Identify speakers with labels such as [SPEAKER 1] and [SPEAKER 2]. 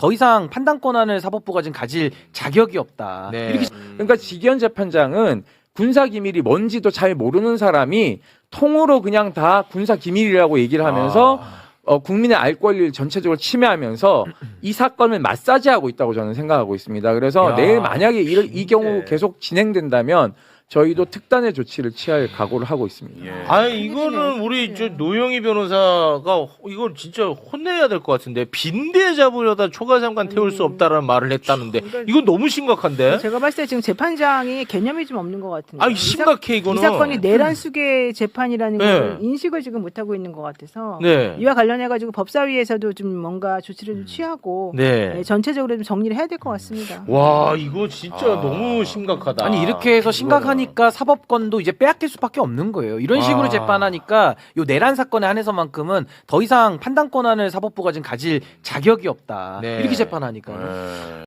[SPEAKER 1] 더 이상 판단 권한을 사법부가 지금 가질 자격이 없다.
[SPEAKER 2] 네.
[SPEAKER 1] 이렇게
[SPEAKER 3] 그러니까 지기현 재판장은 군사 기밀이 뭔지도 잘 모르는 사람이 통으로 그냥 다 군사 기밀이라고 얘기를 하면서 국민의 알 권리를 전체적으로 침해하면서 이 사건을 마사지하고 있다고 저는 생각하고 있습니다. 그래서
[SPEAKER 2] 야,
[SPEAKER 3] 내일 만약에 이 경우
[SPEAKER 2] 예.
[SPEAKER 3] 계속 진행된다면 저희도 특단의 조치를 취할 각오를 하고 있습니다.
[SPEAKER 1] 예.
[SPEAKER 2] 아니 이거는 우리 저 노영희 변호사가 이거 진짜 혼내야 될 것 같은데 빈대 잡으려다 초과장관 태울 수 없다라는 말을 했다는데 이건 너무 심각한데?
[SPEAKER 4] 제가 봤을 때 지금 재판장이 개념이 좀 없는 것 같은데.
[SPEAKER 2] 아니 심각해 이거는.
[SPEAKER 4] 이 사건이 내란 수계 재판이라는
[SPEAKER 2] 네.
[SPEAKER 4] 걸 인식을 지금 못하고 있는 것 같아서
[SPEAKER 2] 네.
[SPEAKER 4] 이와 관련해가지고 법사위에서도 좀 뭔가 조치를 좀 취하고
[SPEAKER 2] 네.
[SPEAKER 4] 네, 전체적으로 좀 정리를 해야 될 것 같습니다.
[SPEAKER 2] 와 이거 진짜 너무 심각하다.
[SPEAKER 1] 아니 이렇게 해서 심각하니까 사법권도 이제 빼앗길 수밖에 없는 거예요. 이런 식으로
[SPEAKER 2] 아.
[SPEAKER 1] 재판하니까 요 내란 사건에 한해서만큼은 더 이상 판단 권한을 사법부가 지금 가질 자격이 없다.
[SPEAKER 2] 네.
[SPEAKER 1] 이렇게 재판하니까요.
[SPEAKER 2] 네.